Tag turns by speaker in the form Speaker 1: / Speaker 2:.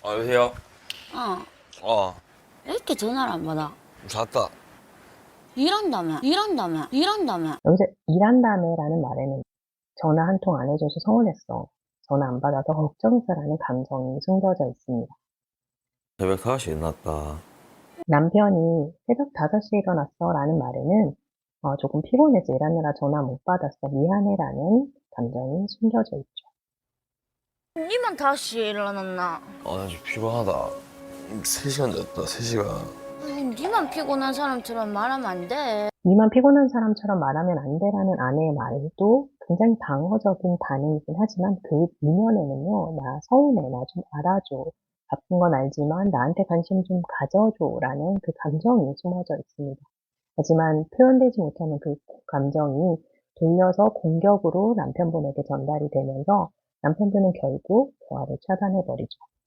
Speaker 1: 여보세요?
Speaker 2: 어,
Speaker 1: 어,
Speaker 2: 왜 이렇게 전화를 안 받아?
Speaker 1: 잤다.
Speaker 2: 일한다며.
Speaker 3: 여기서 일한다며라는 말에는 전화 한 통 안 해줘서 서운했어. 전화 안 받아서 걱정스라는 감정이 숨겨져 있습니다.
Speaker 1: 새벽 5시에 일어났다.
Speaker 3: 남편이 새벽 5시에 일어났어 라는 말에는 조금 피곤해서 일하느라 전화 못 받았어. 미안해라는 감정이 숨겨져 있죠.
Speaker 2: 니만 다시 일어났나?
Speaker 1: 나 지금 피곤하다. 3시간 잤다, 3시간.
Speaker 2: 아니, 니만 피곤한 사람처럼 말하면 안 돼.
Speaker 3: 니만 피곤한 사람처럼 말하면 안 되라는 아내의 말도 굉장히 방어적인 반응이긴 하지만 그 이면에는요, 나 서운해, 나 좀 알아줘. 바쁜 건 알지만 나한테 관심 좀 가져줘라는 그 감정이 숨어져 있습니다. 하지만 표현되지 못하는 그 감정이 돌려서 공격으로 남편분에게 전달이 되면서 남편분은 결국 대화를 차단해버리죠.